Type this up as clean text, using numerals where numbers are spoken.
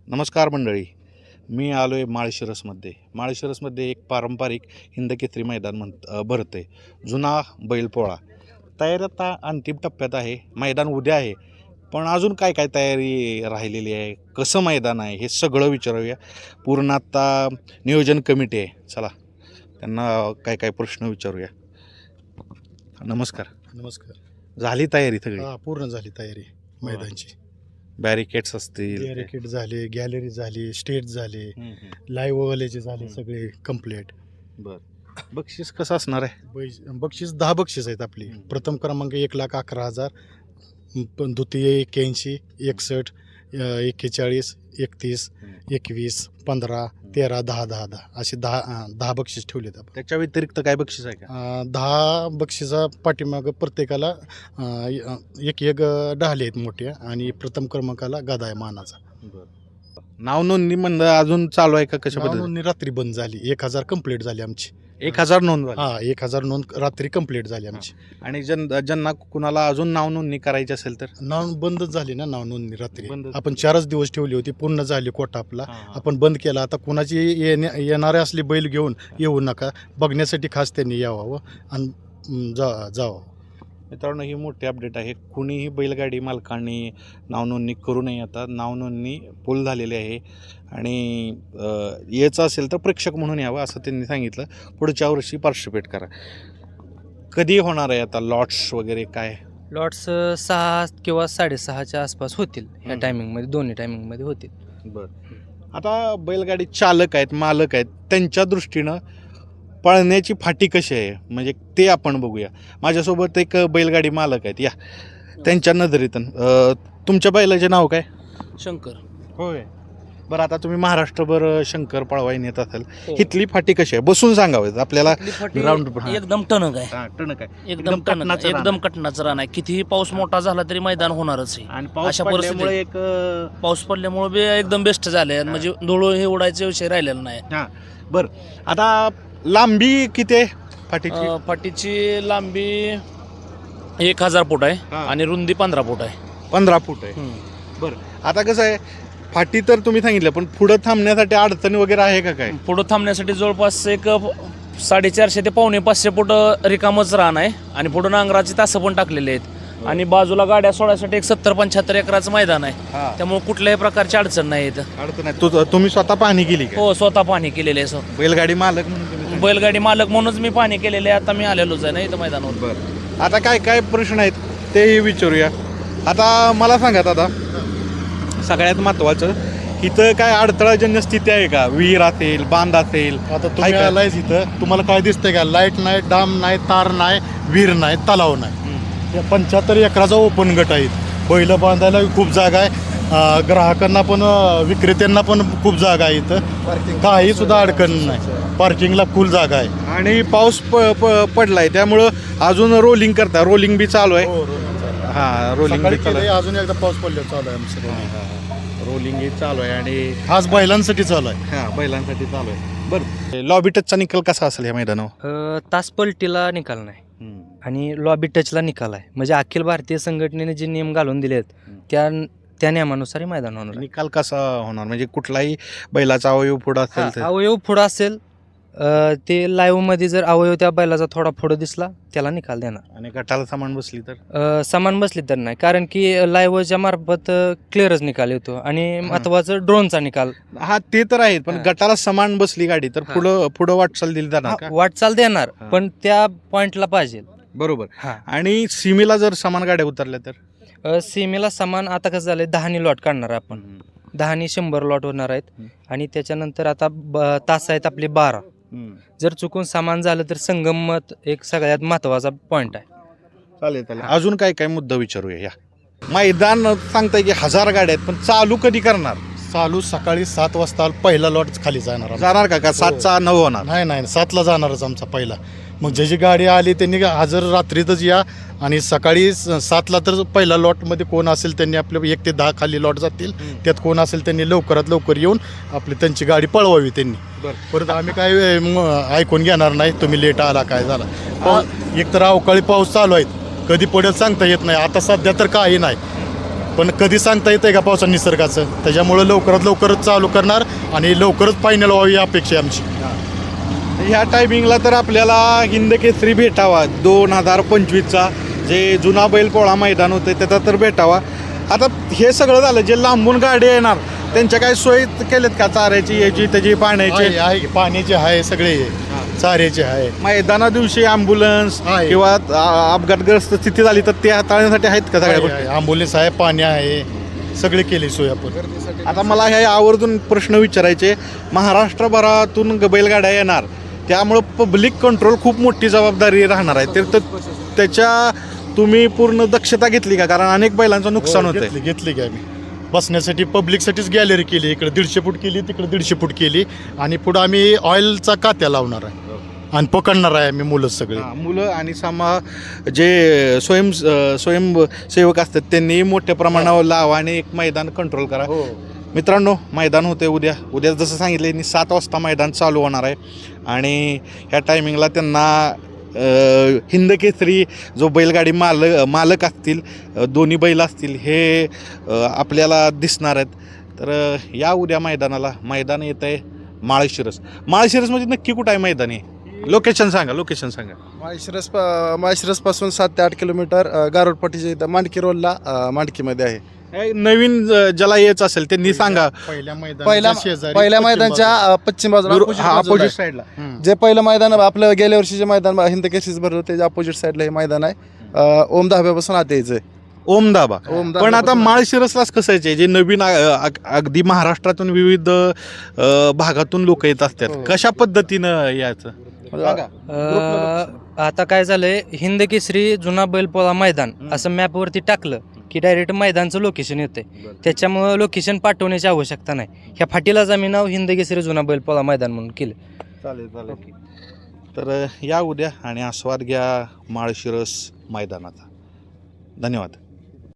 नमस्कार मंडळी. मी आलो आहे माळशिरसमध्ये एक पारंपरिक हिंदकेसरी मैदान भरतं आहे. जुना बैलपोळा तयारी आता अंतिम टप्प्यात आहे. मैदान उद्या आहे, पण अजून काय काय तयारी राहिलेली आहे, कसं मैदान आहे, हे सगळं विचारूया. पूर्ण आत्ता नियोजन कमिटी आहे. चला त्यांना काय काय प्रश्न विचारूया. नमस्कार. नमस्कार. झाली तयारी सगळी? पूर्ण झाली तयारी मैदानची. बॅरिकेड्स असतील, बॅरिकेड झाले, गॅलरी झाली, स्टेज झाले, लाईव्ह वालेचे झाले, सगळे कम्प्लीट. बरं. बक्षीस कसं असणार आहे? बक्षीस 10 बक्षीस आहेत आपली. प्रथम क्रमांक 1,11,000, द्वितीय 81, 61, 41, 31, 21, 15, 13, 10, 10, 10 असे 10 बक्षीस ठेवलेत आपण. त्याच्या व्यतिरिक्त काय बक्षीस आहे का? 10 बक्षिसा पाठीमागं प्रत्येकाला एक ढाले आहेत मोठ्या, आणि प्रथम क्रमांकाला गदा आहे मानाचा. नाव नोंदणी म्हणलं अजून चालू आहे का? कशा पद्धतीने? नोंदणी रात्री बंद झाली. 1000 कंप्लीट झाली आमची. 1000 नोंद झाली? 1000 नोंद रात्री कंप्लीट झाली आमची. आणि ज्यांना कुणाला अजून नाव नोंदणी करायची असेल तर? नाव बंदच झाली ना, नाव नोंदणी रात्री. बंदच. आपण 4च दिवस ठेवली होती, पूर्ण झाली कोटा आपला. आपण बंद केला. आता कुणाची येणारे असले बैल घेऊन येऊ नका, बघण्यासाठी खास त्यांनी यावं आणि जावं. मित्रांनो, ही मोठी अपडेट आहे. कुणीही बैलगाडी मालकांनी नाव नोंदणी करू नये. आता नाव नोंदणी फुल झालेली आहे आणि यायचं असेल तर प्रेक्षक म्हणून यावं असं त्यांनी सांगितलं. पुढच्या वर्षी पार्टिसिपेट करा. कधी होणार आहे आता लॉट्स वगैरे काय? लॉट्स 6 किंवा 6:30च्या आसपास होतील. ह्या टायमिंगमध्ये, दोन्ही टायमिंगमध्ये होतील. बरं. आता बैलगाडी चालक आहेत, मालक आहेत, त्यांच्या दृष्टीनं पळण्याची फाटी कशी आहे म्हणजे ते आपण बघूया. माझ्यासोबत एक बैलगाडी मालक आहेत, या त्यांच्या नजरेतून. तुमच्या बैलाचे नाव काय? शंकर. होय. बरं, आता तुम्ही महाराष्ट्रभर शंकर पळवाई नेत असाल, हो. इथली फाटी कशी आहे? बसून सांगावं आपल्याला. राऊंड एकदम टणक आहे. टणक आहे, एकदम टणक, एकदम कटनाचं रान आहे. कितीही पाऊस मोठा झाला तरी मैदान होणारच आहे. आणि पाऊस अशा पडल्यामुळे एक पाऊस पडल्यामुळे बी एकदम बेस्ट झाले. म्हणजे धुळू हे उडायचा विषय राहिलेला नाही. बरं. आता लांबी किती आहे फाटीची? फाटीची लांबी 1000 फूट आहे आणि रुंदी 15 फूट आहे. 15 फूट आहे. बरं. आता कसं आहे, फाटी तर तुम्ही सांगितलं, पण पुढं थांबण्यासाठी अडचणी वगैरे आहे का काय? पुढं थांबण्यासाठी जवळपास एक 450 ते 550 फूट रिकामच रान आहे आणि पुढं नांगराची तासं पण टाकलेली आहेत. आणि बाजूला गाड्या सोडायसाठी एक 70-75 एकराचं मैदान आहे. त्यामुळे कुठल्याही प्रकारची अडचण नाही येत. अडचण नाही. तुम्ही स्वतः पाहणी केली का? हो, स्वतः पाहणी केलेली आहे. बैलगाडी मालक म्हणून तुम्ही? बैलगाडी मालक म्हणूनच मी पाहणी केलेली आहे. आता मी आलेलोच आहे ना इथं मैदानावर. बरं. आता काय काय प्रश्न आहेत तेही विचारूया. आता मला सांगा दादा, सगळ्यात महत्त्वाचं, इथं काय अडथळाजन्य स्थिती आहे का? विहीर असेल, बांध असेल? आता तुम्ही आलायच इथं, तुम्हाला काय दिसतंय का? लाईट नाही, डाम नाही, तार नाही, विहीर नाही, तलाव नाही. 75 एकराचा ओपन गट आहे. बैल बांधायला खूप जागा आहे. ग्राहकांना पण, विक्रेत्यांना पण खूप जागा आहे इथं. काही सुद्धा अडचण नाही. पार्किंगला फुल जागा आहे. आणि पाऊस पडलाय त्यामुळं अजून रोलिंग बी चालू आहे. रोलिंग बी चालू आहे. अजून एकदा पाऊस पडल्यावर चालू आहे आमचं. रोलिंग चालू आहे आणि खास बैलांसाठी चालू आहे. बैलांसाठी चालू आहे. बरं. लॉबी टचचा निकाल कसा असेल या मैदानावर? तास पलटीला निकाल नाही आणि लॉबी टचला निकाल आहे. म्हणजे अखिल भारतीय संघटनेने जे नियम घालून दिले आहेत त्या नियमानुसार मैदान होणार. निकाल कसा होणार म्हणजे कुठलाही बैलाचा अवयव पुढं असेल तर? अवयव पुढं असेल, ते लाईव्ह मध्ये जर अवयव त्या बैलाचा थोडा पुढं दिसला त्याला निकाल देणार. आणि गटाला सामान बसली तर? सामान बसली तर नाही, कारण की लाईव्हच्या मार्फत क्लिअरच निकाल येतो. आणि महत्वाचं ड्रोनचा निकाल. ते तर आहे, पण गटाला समान बसली गाडी तर पुढं वाटचाल दिली जाणार का? वाटचाल देणार, पण त्या पॉइंटला पाहिजे. बरोबर. आणि सीमेला जर समान गाड्या उतरल्या तर? सीमेला समान आता कसं झालंय, 10 लॉट काढणार आपण. 10 100 लॉट होणार आहेत. आणि त्याच्यानंतर आता तास आहेत आपले 12. जर चुकून सामान झालं तर संगमत एक सगळ्यात महत्वाचा पॉइंट आहे. चालेल. अजून काय काय मुद्दा विचारूया. या मैदान सांगताय की 1000 गाड्या आहेत, पण चालू कधी करणार? चालू सकाळी 7 वाजता पहिला लॉट खाली जाणार का 7चा 9 होणार? नाही, 7ला जाणारच आमचा पहिला. मग ज्याची गाडी आली त्यांनी हजर रात्रीतच या, आणि सकाळी 7ला तर पहिला लॉटमध्ये कोण असेल त्यांनी आपले 1 ते 10 खाली लॉट जातील. त्यात कोण असेल त्यांनी लवकरात लवकर येऊन आपली त्यांची गाडी पळवावी त्यांनी. परत आम्ही काय ऐकून घेणार नाही तुम्ही लेट आला काय झाला. एक तर अवकाळी पाऊस चालू आहे, कधी पडेल सांगता येत नाही. आता सध्या तर काही नाही. पण कधी सांगता येतं का पावसा निसर्गाचं, त्याच्यामुळं लवकरात लवकरच चालू करणार आणि लवकरच फायनल व्हावी ही अपेक्षा आहे आमची. ह्या टायमिंगला तर आपल्याला हिंद केसरी भेटावा 2025चा जे जुना बैलपोळा मैदान होतं त्याचा तर भेटावा. आता हे सगळं झालं, जे लांबून गाडी येणार त्यांच्या काय सोयी केल्यात का चाऱ्याची याची त्याची पाण्याची? आहे पाण्याचे आहे, सगळे चाऱ्याचे आहे. मैदाना दिवशी ॲम्ब्युलन्स आहे. किंवा अपघातग्रस्त स्थिती झाली तर ते हाताळण्यासाठी आहेत का सगळ्या गोष्टी? ॲम्ब्युलन्स आहे, पाणी आहे, सगळे केले सोय आपण. आता मला हे आवर्जून प्रश्न विचारायचे, महाराष्ट्रभरातून बैलगाड्या येणार त्यामुळं पब्लिक कंट्रोल खूप मोठी जबाबदारी राहणार आहे, तर त्याच्या तुम्ही पूर्ण दक्षता घेतली का? कारण अनेक बैलांचं नुकसान होतं. घेतली काय मी बसण्यासाठी पब्लिकसाठीच गॅलरी केली, इकडे 150 फूट केली, तिकडे 150 फूट केली आणि पुढं आम्ही ऑइलचा कात्या लावणार आहे आणि पकडणार आहे आम्ही मुलं सगळे. मुलं आणि जे स्वयंसेवक असतात त्यांनी मोठ्या प्रमाणावर लावा आणि एक मैदान कंट्रोल करा. मित्रांनो, मैदान होते उद्या जसं सांगितलं 7 वाजता मैदान चालू होणार आहे आणि ह्या टायमिंगला त्यांना हिंद केसरी जो बैलगाडी मालक असतील, दोन्ही बैल असतील हे आपल्याला दिसणार आहेत. तर या उद्या मैदान येत आहे माळशिरसमध्ये नक्की कुठं आहे मैदान? आहे लोकेशन सांगा. माळशिरसपासून 7 ते 8 किलोमीटर गारोडपट्टीच्या इथं मांडकी रोडला मांडकीमध्ये आहे. नवीन ज्याला यायचं असेल त्यांनी सांगा. पहिल्या मैदानच्या पश्चिम बाजूला अपोजिट साईडला जे पहिलं मैदान आपलं गेल्या वर्षी जे मैदान हिंद केसरीच भरलं त्याच्या अपोजिट साईडला हे मैदान आहे. ओम धाब्यापासून आत यायचंय. ओम दाबा. पण आता माळशिरसलाच कसं आहे, जे नवीन अगदी महाराष्ट्रातून विविध भागातून लोक येत असतात, कशा पद्धतीनं यायचं? आता काय झालंय, हिंद केसरी जुना बैलपोळा मैदान असं मॅपवरती टाकलं की डायरेक्ट मैदानचं लोकेशन येते. त्याच्यामुळं लोकेशन पाठवण्याची आवश्यकता नाही. ह्या फाटीलाच आम्ही नाव हिंद केसरी जुना बैलपोळा मैदान म्हणून केलं. चालेल. तर या उद्या आणि आस्वाद घ्या माळशिरस मैदानाचा. धन्यवाद.